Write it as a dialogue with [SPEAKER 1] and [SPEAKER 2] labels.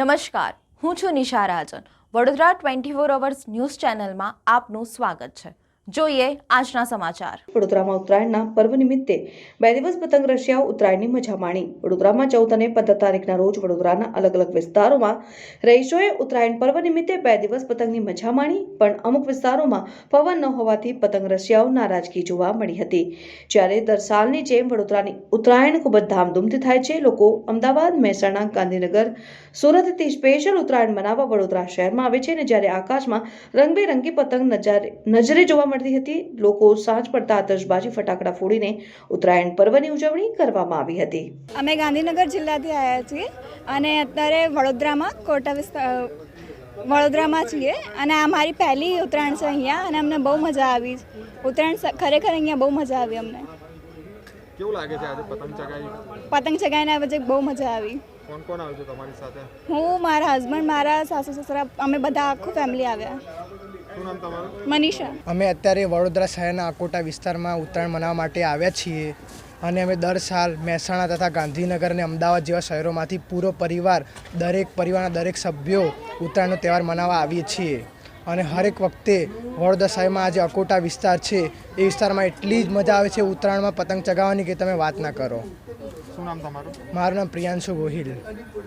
[SPEAKER 1] નમસ્કાર, હું છું નિશા રાજન. વડોદરા 24 અવર્સ ન્યૂઝ ચેનલમાં આપનું સ્વાગત છે. જોઈએ આજના સમાચાર.
[SPEAKER 2] વડોદરામાં ઉત્તરાયણના પર્વ નિમિત્તે 2 દિવસ પતંગ રશિયાઓ ઉત્તરાયણની મજા માણી. વડોદરામાં 14 અને 15 તારીખના રોજ વડોદરાના અલગ અલગ વિસ્તારોમાં રહીશોએ ઉત્તરાયણ પર્વ નિમિત્તે 2 દિવસ પતંગની મજા માણી. પણ અમુક વિસ્તારોમાં પવન ન હોવાથી પતંગ રશિયાઓ નારાજગી જોવા મળી હતી. જ્યારે દર સાલની જેમ વડોદરાની ઉત્તરાયણ ખૂબ જ ધામધૂમથી થાય છે. લોકો અમદાવાદ, મહેસાણા, ગાંધીનગર, સુરતથી સ્પેશિયલ ઉત્તરાયણ મનાવવા વડોદરા શહેરમાં આવે છે. અને જ્યારે આકાશમાં રંગબેરંગી પતંગ નજરે જોવા મળતી હતી, લોકો સાંજ પડતા આતશબાજી ફટાકડા ફોડીને ઉત્તરાયણ પર્વની ઉજવણી કરવામાં આવી હતી.
[SPEAKER 3] અમે ગાંધીનગર જિલ્લાથી આવ્યા છીએ અને અત્યારે વડોદરામાં છીએ અને આ મારી પહેલી ઉત્તરાયણ છે અહીંયા અને અમને બહુ મજા આવી. ઉત્તરાયણ ખરેખર અહીંયા બહુ મજા આવી અમને.
[SPEAKER 4] કેવું લાગે છે આજે પતંગ ચગાવી?
[SPEAKER 3] પતંગ ચગાવીને આજે બહુ મજા આવી.
[SPEAKER 4] કોણ કોણ આવ્યું છે તમારી સાથે?
[SPEAKER 3] હું, મારા હસબન્ડ, મારા સાસુ સસરા, અમે બધા આખું ફેમિલી આવ્યા.
[SPEAKER 4] શું નામ તમારું?
[SPEAKER 3] મનીષા.
[SPEAKER 5] અમે અત્યારે વડોદરા શહેરના અકોટા વિસ્તારમાં ઉત્તરાયણ મનાવવા માટે આવ્યા છીએ અને અમે દર સાલ મહેસાણા તથા ગાંધીનગર અને અમદાવાદ જેવા શહેરોમાંથી પૂરો પરિવાર, દરેક પરિવારના દરેક સભ્યો ઉત્તરાયણનો તહેવાર મનાવવા આવીએ છીએ. અને હરેક વખતે વડોદરા શહેરમાં આજે અકોટા વિસ્તાર છે એ વિસ્તારમાં એટલી જ મજા આવે છે ઉત્તરાયણમાં પતંગ ચગાવવાની કે તમે વાત ના કરો.
[SPEAKER 4] શું નામ તમારું?
[SPEAKER 5] મારું નામ પ્રિયાંશુ ગોહિલ.